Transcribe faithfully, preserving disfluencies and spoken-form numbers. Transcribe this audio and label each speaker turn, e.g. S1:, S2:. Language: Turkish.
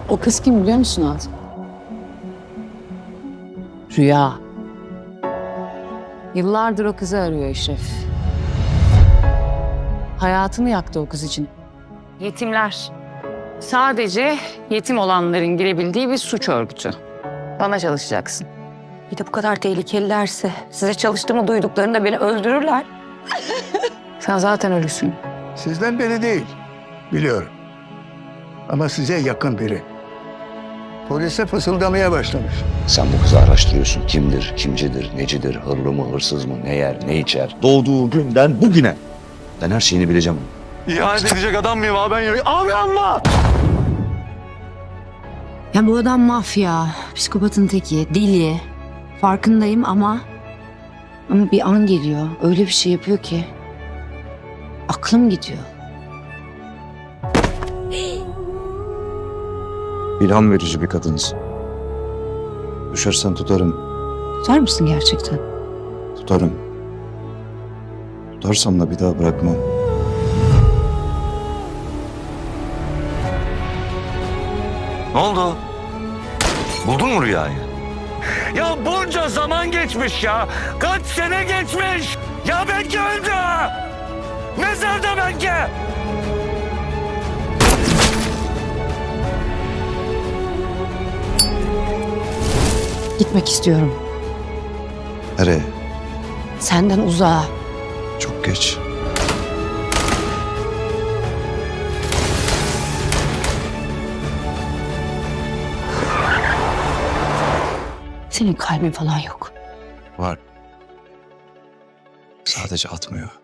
S1: O kız kim biliyor musun Azim? Rüya. Yıllardır o kızı arıyor Eşref. Hayatını yaktı o kız için. Yetimler. Sadece yetim olanların girebildiği bir suç örgütü. Bana çalışacaksın.
S2: Bir de bu kadar tehlikelilerse size çalıştığımı duyduklarında beni öldürürler.
S1: Sen zaten ölüsün.
S3: Sizden biri değil, biliyorum. Ama size yakın biri. Polise fısıldamaya başlamış.
S4: Sen bu kızı araştırıyorsun. Kimdir, kimcidir, necidir, hırlı mı, hırsız mı, ne yer, ne içer. Doğduğu günden bugüne. Ben her şeyini bileceğim.
S5: İhanet edecek adam mıyım abi ben ya? Abi anla!
S2: Ya bu adam mafya, psikopatın teki, deli. Farkındayım ama... Ama bir an geliyor, öyle bir şey yapıyor ki... Aklım gidiyor.
S4: İlham verici bir kadınsın. Düşersen tutarım,
S2: Tutar mısın gerçekten?
S4: tutarım. Tutarsam da bir daha bırakmam.
S5: Ne oldu? Buldun mu rüyayı? Ya bunca zaman geçmiş ya. Kaç sene geçmiş. Ya belki öldü. Mezarda belki.
S2: Gitmek istiyorum.
S4: Nereye?
S2: Senden uzağa.
S4: Çok geç.
S2: Senin kalbin falan yok.
S4: Var. Sadece atmıyor.